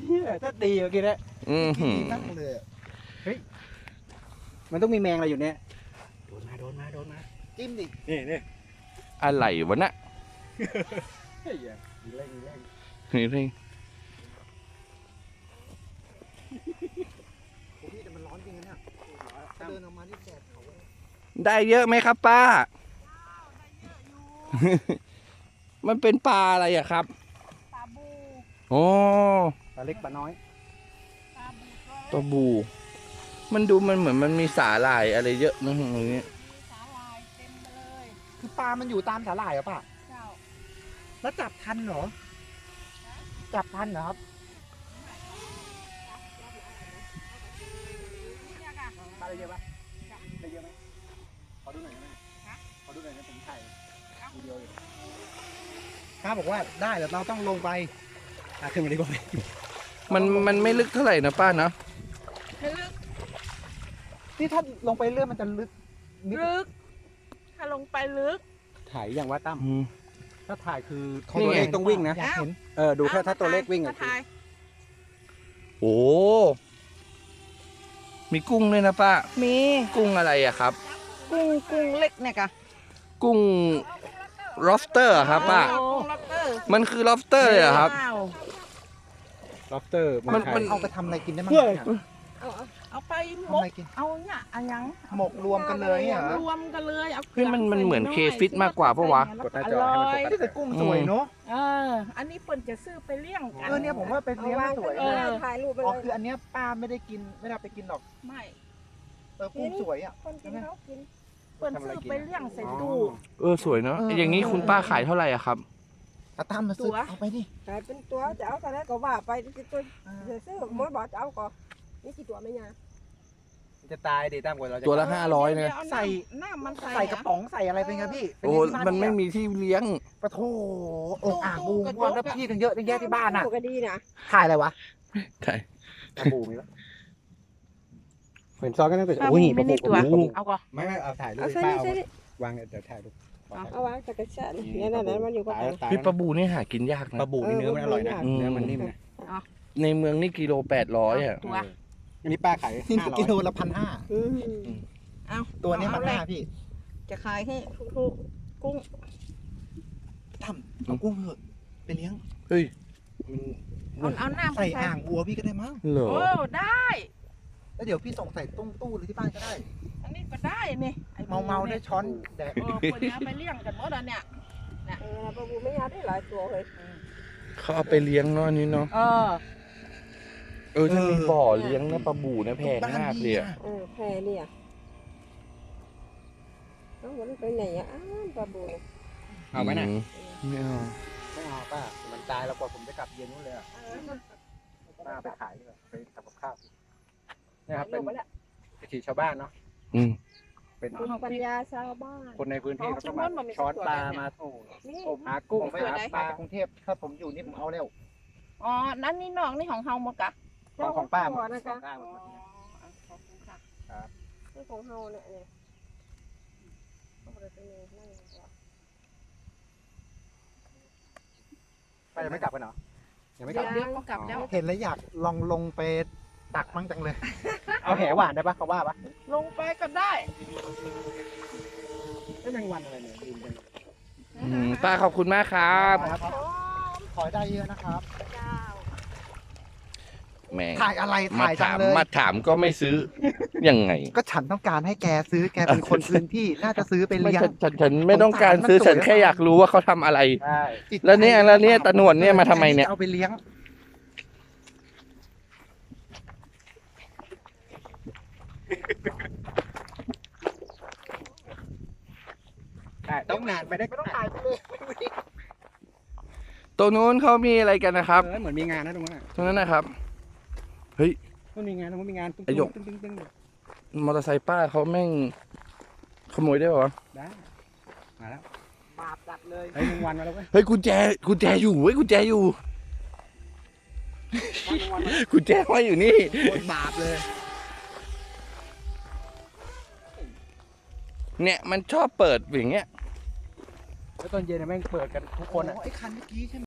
ถ้าตีเมื่อกี้นะนั่งเลยเฮ้ยมันต้องมีแมงอะไรอยู่เนี่ยโดนมาจิ้มดินี่อะไรวะน่ะเฮ้ยเร่งนี่พี่แต่มันร้อนจริงนะเนี่ยเดินออกมาที่แดดเขาได้เยอะไหมครับป้า มันเป็นปลาอะไรอะครับปลาบูโอ้ปลาเล็กปลาน้อยปลาบู มันดูมันเหมือนมันมีสาหร่ายอะไรเยอะนะตรงนี้มีสาลายเต็มไปเลยคือปลามันอยู่ตามสาหร่ายเหรอป่ะเจ้าแล้วจับทันเหรอจับทันเหรอครับเนี่ยค่ะปลาได้เยอะปะได้เยอะไหมขอดูหน่อยนะขอดูหน่อยนะผมถ่ายวิดีโออยู่ข้าบอกว่าได้แต่เราต้องลงไปขึ้นมาดีกว่ามันไม่ลึกเท่าไหร่นะป้าเนาะให้ลึกนี่ถ้าลงไปเรื่อยมันจะลึกถ้าลงไปลึกถ่ายอย่างว่าตั้มอืมถ้าถ่ายคือนี่ตัวไงเลขต้องวิ่งนะอยากเห็นดูแค่ถ้าตัวเลขวิ่งมาถ่ายโอ้มีกุ้งด้วยนะป้ามีกุ้งอะไรอะครับกุ้งเล็กเนี่ยค่ะกุ้ง lobster อะครับป้ากุ้งล็อบสเตอร์มันคือ lobster เลยเหรอครับว้าวล็อบสเตอร์มันเอาไปทำอะไรกินได้มั้งเอาไปหมทำกอะไรกินเอาเนี่ยอันยังหมกรวมกันเลยเหรอรวมกันเลยเอาเฮ้ยมันเหมือนเคฟิตมากกว่าปะวะกดหน้าจอให้มันโฟกัส นี่แต่กุ้งสวยเนาะอันนี้เปิ่นจะซื้อไปเลี้ยงกันเนี่ยผมว่าเป็นเลี้ยงสวยเออถ่ายรูปไปอ๋อเลยคืออันเนี้ยป้าไม่ได้กินไม่ได้เอาไปกินหรอกไม่กุ้งสวยอ่ะคนกินเขากินเปิ่นซื้อไปเลี้ยงใส่ตู้สวยเนาะอย่างนี้คุณป้าขายเท่าไหร่อะครับเอาตามมาซื้อเอาไปดิขายเป็นตัวจะเอาเท่าไรก็ว่าไปตัวจะซื้อมดบอกจะเอาก็นี่กี่ตัวไม่ยาจะตายดิตามกว่าเราจะตัวละ 500นะใส่น้ำมันใส่กระป๋องใส่อะไรเป็นไงพี่โอ้มันไม่มีที่เลี้ยงปะโถองอ่างบูว่าแล้วพี่กันเยอะตั้งแยะที่บ้านอ่ะก็ดีนะถ่ายอะไรวะใช่ปลาบูมีปะเห็นซอกก็ต้องเป็นโอ้ยไม่ได้ตัวเอาก่อนไม่เอาถ่ายรูปเอาใส่ป้านี่เอาใส่นี่วางเดี๋ยวถ่ายรูปเอาวางจักรชาเนี่ยนั่นมันอยู่ก็ตายพี่ปลาบูนี่หากินยากนะปลาบูนี่เนื้อมันอร่อยนะอืมเนื้อมันนิ่มนะในเมืองนี่กิโล800อะตัวอันนี้ป้าขาย500กิโลละ1,500 เอาตัวนี้1,500พี่จะขายให้ทุกๆกุ้งทำเอากุ้งเถอะไปเลี้ยงเฮ้ยเอาน้ำใส่อ่างวัวพี่ก็ได้มั้งเหรอโอ้ได้แล้วเดี๋ยวพี่ส่งใส่ตู้หรือที่บ้านก็ได้อันนี้ก็ได้นี่เมาได้ช้อนแดดคนนี้ไปเลี้ยงกันหมดแล้วเนี่ยปลาบูไม่ยาได้หลายตัวเลยเขาเอาไปเลี้ยงเนาะอันนี้เนาะถ้ามีบ่อเลี้ยงนะปลาบูนะแพงมากเลยอะแพรเนี่ยเอาวันไปไหนอ่ะปลาบูเอาไหมน่ะไม่เอาไม่เอาป้ามันตายแล้วกว่าผมจะกลับเย็นนู้นเลยอ่ะป้าไปขายดีกว่าไปทำกับข้าวเนี่ยครับเป็นวิถีชาวบ้านเนาะอืมเป็นปัญญาชาวบ้านคนในพื้นที่เขาต้องมาช้อนปลามาหากุ้งไปหาปลากรุงเทพถ้าผมอยู่นี่ผมเอาแล้วอ๋อนั่นนี่น้องนี่ของเฮาหมดกะของป้าหมดนะคะครับคือของเฮาเนี่ยป้ายังไม่กลับกันเหรอยังไม่กเดี๋ลัยบวเดี๋ยวก็กลับแล้วเห็นแล้วอยากลองลงไปตักมั่งจังเลย เอาแหหวานได้ปะเขาว่าปะลงไปก็ได้ไม่แมงวันอะไรเนี่ยลืมไปป้าขอบคุณมากครับขอได้เยอะนะครับแหมถ่ายอะไรมาถ่ายจังถามเลยมาถามก็ไม่ซื้อ ยังไงก็ฉันต้องการให้แกซื้อแกเป็นคนพื้นที่น่าจะซื้อไปไม่เลี้ยงฉันไม่ต้องการซื้อมันสวยฉันแค่อยากรู้ว่าเขาทำอะไรใช่แล้วเนี่ยตะหนวดเนี่ยมาทำไมเนี่ยเอาไปเลี้ยงต้องนานไปได้ไม่ต้องถ่ายไปเลยตรงนู้นเขามีอะไรกันนะครับเหมือนมีงานนะตรงนั้นตรงนั้นนะครับมันมีงานตรงนั้นมีงานตึ้งไอ้หยกตึ้งมอเตอร์ไซค์ป้าเขาแม่งขโมยได้ป่าวะได้มาแล้วบาปจัดเลยเฮ้ยมึงวันมาแล้วเว้ยเฮ้ยกุญแจอยู่เว้ยกุญแจอยู่ กุญแจไว้อยู่นี่โคตรบาปเลยเนี่ยมันชอบเปิดอย่างเงี้ยแล้วตอนเย็นแม่งเปิดกันทุกคนอ่ะไอ้คันเมื่อกี้ใช่ไหม